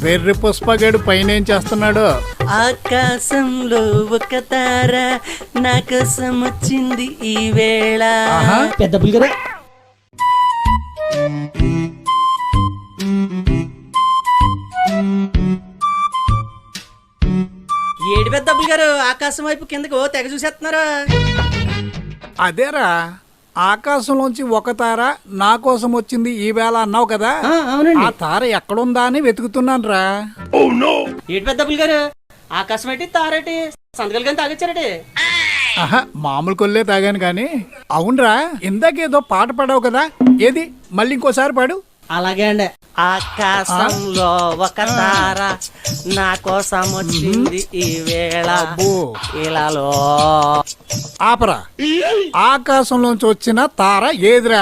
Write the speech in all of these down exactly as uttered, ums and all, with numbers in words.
వెర్రి పుష్పగాడు పైన ఏం చేస్తున్నాడు? ఆకాశంలో ఒక తార నా కోసం వచ్చింది ఈ వేళ. పెద్ద పులిగరా ఏడు పెద్ద అబ్బులు గారు ఆకాశం వైపు కిందకు ఓ తెగ చూసేస్తున్నారు. అదేరా, ఆకాశంలోంచి ఒక తార నా కోసం వచ్చింది ఈ వేళ అన్నావు కదా, ఆ తార ఎక్కడుందా అని వెతుకుతున్నాను రా. ఏడు పెద్ద అబ్బులు గారు ఆకాశం ఏంటి తారేటి సంతకాలు కానీ తాగొచ్చారటి? ఆహా, మామూలు కొల్లే తాగాను కానీ. అవునరా, ఇందాకేదో పాట పాడావు కదా, ఏది మళ్ళీ ఇంకోసారి పాడు. అలాగే అండి. ఆకాశంలో ఒక తార నా కోసం వచ్చింది ఈ వేళ ఇలాలో. ఆపరా, ఆకాశంలోంచి వచ్చిన తార ఏదిరా?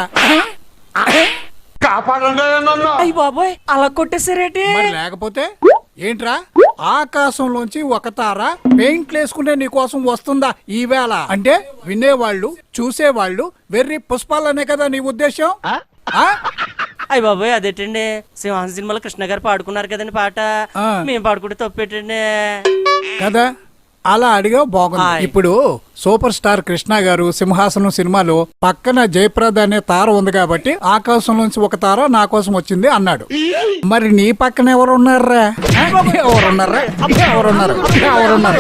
అయ్య బాబోయ్, అలా కొట్టేసారేటి? మరి లేకపోతే ఏంట్రా? ఆకాశంలోంచి ఒక తార పెయింట్లు వేసుకుంటే నీ కోసం వస్తుందా ఈ వేళ అంటే వినేవాళ్ళు చూసేవాళ్ళు వెర్రి పుష్పాలనే కదా నీ ఉద్దేశం? అయ్య బాబోయ్, అదేటండి సింహాసన సినిమాలో కృష్ణ గారు పాడుకున్నారు కదండి పాట, మేము పాడుకుంటే తప్పేటండి కదా. అలా అడిగావు, బాగుంది. ఇప్పుడు సూపర్ స్టార్ కృష్ణ గారు సింహాసనం సినిమాలో పక్కన జయప్రద అనే తార ఉంది కాబట్టి ఆకాశం నుంచి ఒక తార నా కోసం వచ్చింది అన్నాడు. మరి నీ పక్కన ఎవరున్నారా? ఎవరున్నారా? ఎవరున్నారు? ఎవరున్నారు?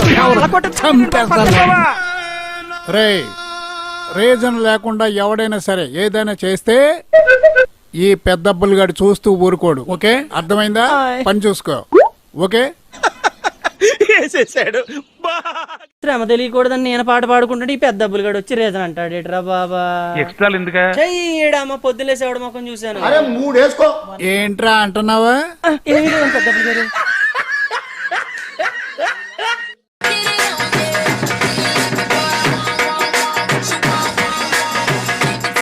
రే, రీజన్ లేకుండా ఎవడైనా సరే ఏదైనా చేస్తే ఈ పెద్దబ్బులు గడు చూస్తూ ఊరుకోడు. ఓకే, అర్థమైందా? పని చూసుకో. ఓకే, శ్రమ తెలియకూడదని నేను పాట పాడుకుంటుంటే ఈ పెద్ద అబ్బులు గడు వచ్చి రీజన్ అంటాడు. ఏట్రా బాబా, చెయ్యడమ్మా పొద్దులేసేవాడు మొక్కం చూశాను. ఏంట్రా అంటున్నావా? పెద్ద అబ్బులు గారు